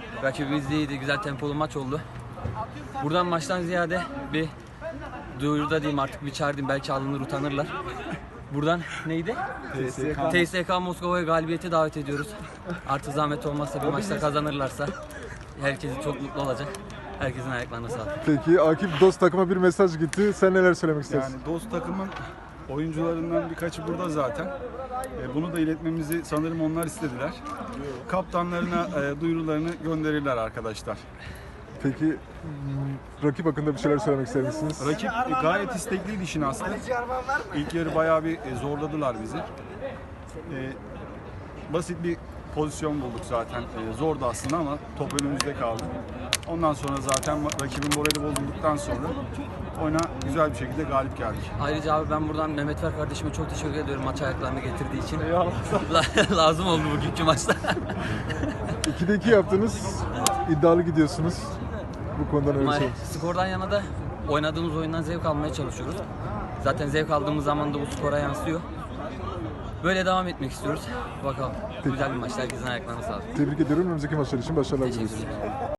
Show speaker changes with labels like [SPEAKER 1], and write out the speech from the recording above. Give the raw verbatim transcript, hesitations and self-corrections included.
[SPEAKER 1] Rakibimiz de iyiydi. Güzel tempolu maç oldu. Buradan maçtan ziyade bir duyuruda diyeyim artık bir çağırayım. Belki alınır utanırlar. Buradan neydi? T S K Moskova'ya galibiyete davet ediyoruz. Artık zahmet olmazsa bir maçta kazanırlarsa herkes çok mutlu olacak. Herkesin ayaklarına sağlık.
[SPEAKER 2] Peki Akif, Dost takıma bir mesaj gitti. Sen neler söylemek istersin?
[SPEAKER 3] Yani Dost takımın oyuncularından birkaçı burada zaten. E, bunu da iletmemizi sanırım onlar istediler. Kaptanlarına e, duyurularını gönderirler arkadaşlar.
[SPEAKER 2] Peki hmm, rakip hakkında bir şeyler söylemek ister misiniz?
[SPEAKER 3] Rakip e, gayet istekliydi işin aslı. İlk yarı bayağı bir e, zorladılar bizi. E, basit bir pozisyon bulduk zaten. E, zordu aslında ama top önümüzde kaldı. Ondan sonra zaten rakibin morali bozulduktan sonra oyuna güzel bir şekilde galip geldik.
[SPEAKER 1] Ayrıca abi ben buradan Mehmet Ver kardeşime çok teşekkür ediyorum maç ayaklarını getirdiği için. Lazım oldu bugünkü maçta.
[SPEAKER 2] ikide iki yaptınız. İddialı gidiyorsunuz. Bu konudan öyle şey.
[SPEAKER 1] Skordan yana da oynadığımız oyundan zevk almaya çalışıyoruz. Zaten zevk aldığımız zaman da bu skora yansıyor. Böyle devam etmek istiyoruz. Bakalım. Güzel bir maç. Herkesin ayaklarına sağlık.
[SPEAKER 2] Tebrik ediyorum. Önümüzdeki maçlar için başarılar
[SPEAKER 1] Teşekkür
[SPEAKER 2] diliyoruz.
[SPEAKER 1] ederim.